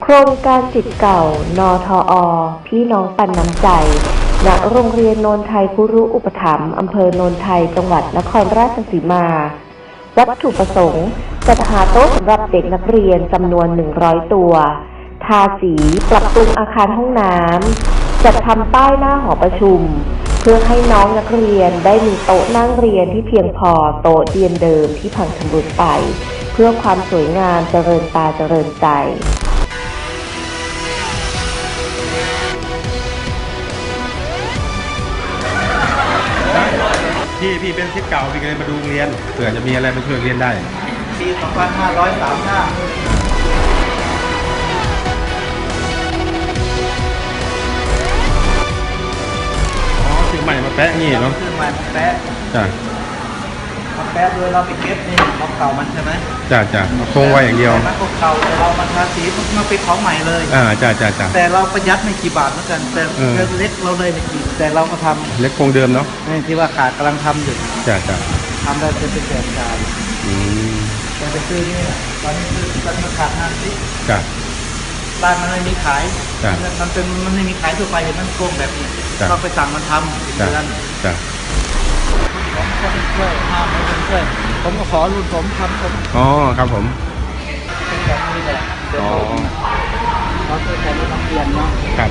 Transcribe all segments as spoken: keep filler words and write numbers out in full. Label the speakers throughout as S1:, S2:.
S1: ครงการศิษย์เก่านทอ พี่น้องปันน้ำใจณโรงเรียนโนนไทยคุรุอุปถัมภ์อำเภอโนนไทยจังหวัดนครราชสีมา วัตถุประสงค์จัดหาโต๊ะสำหรับเด็กนักเรียนจำนวนหนึ่งร้อยตัวทาสีปรับปรุงอาคารห้องน้ำจัดทำป้ายหน้าหอประชุมเพื่อให้น้องนักเรียนได้มีโต๊ะนั่งเรียนที่เพียงพอโต๊ะเรียนเดิมที่พังชำรุดไปเพื่อความสวยงามเจริญตาเจริญใจ
S2: พี่พี่เป็นศิษย์เก่าพี่ก็เลยมาดูโรงเรียนเผื่อจะมีอะไรมาช่วยเรียนได้
S3: ปี สองพันห้าร้อยสามสิบห้า
S2: อ๋อซื้อใหม่มาแปะนี่เนาะ
S3: ซื้อใหม่มาแปะ
S2: จ้ะ
S3: มาแปะโดยเราไปเก็บนี่ของเก่ามันใช่ไหม
S2: จ้ะจ้ะคงไว้อย่างเดียว
S3: มันก็เก่าแต่เรามาทาสีมันมาเป็นของใหม่เลย
S2: อ่าจ้ะจ้ะจ้ะ
S3: แต่เราประหยัดไม่กี่บาทเหมือนกันแต่เล็กเราเลยไม่กี่แต่เราก็ทำ
S2: เล็กคงเดิมเนาะ
S3: นี่ที่ว่าขาดกำลังทำอยู่
S2: จ้ะจ้ะ
S3: ทำได้เป็นแสนจาน
S2: อืม
S3: แต่ไปซื้อนี่ตอนนี้ซื้อตอนนี้ขาดห้าสิบ
S2: จ้ะ
S3: บ้านมันไม่มีขาย
S2: จ้ะ
S3: มันเป็นมันไม่มีขายทั่วไปเห็นมันโกงแบบนี้เราไปสั่งมันทำ
S2: จ้ะจ้ะ
S3: ผมก็ไปช่วยห้ามไม่เป็นช่วยผมก็ขอรุ่นผมทำผม
S2: อ๋อครับผม
S3: เป็นแบบนี้แหละอ๋อเราเคยแต่รุ่นนักเรียนเนาะ
S2: ครับ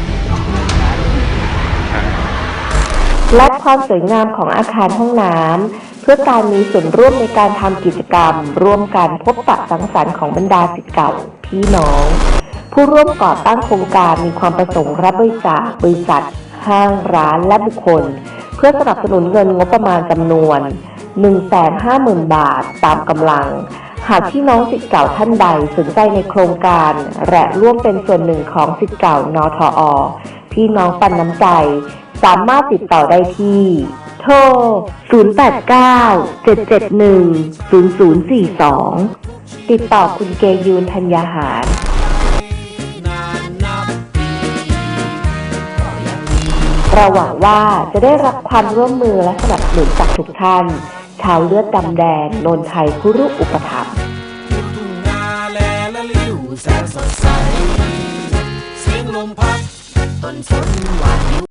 S1: และความสวยงามของอาคารห้องน้ำเพื่อการมีส่วนร่วมในการทำกิจกรรมร่วมกันพบปะสังสรรค์ของบรรดาศิษย์เก่าพี่น้องผู้ร่วมก่อตั้งโครงการมีความประสงค์รับบริจาคบริษัทห้างร้านและบุคคลเพื่อสนับสนุนเงินงบประมาณจำนวน หนึ่งแสนห้าหมื่น บาทตามกำลังหากพี่น้องศิษย์เก่าท่านใดสนใจในโครงการและร่วมเป็นส่วนหนึ่งของศิษย์เก่านทอ พี่น้องปันน้ำใจสามารถติดต่อได้ที่โทร ศูนย์ แปด เก้า เจ็ด เจ็ด หนึ่ง ศูนย์ ศูนย์ สี่ สอง ติดต่อคุณเกยูนธัญญาหารเราหวังว่าจะได้รับความร่วมมือและสนับสนุนจากทุกท่านชาวเลือดดำแดงโนนไทยคุรุอุปถัมภ์
S4: ทุ่งนาแลละลิ้วแสนสดใสเสียงลมพัดต้นฝนหวาน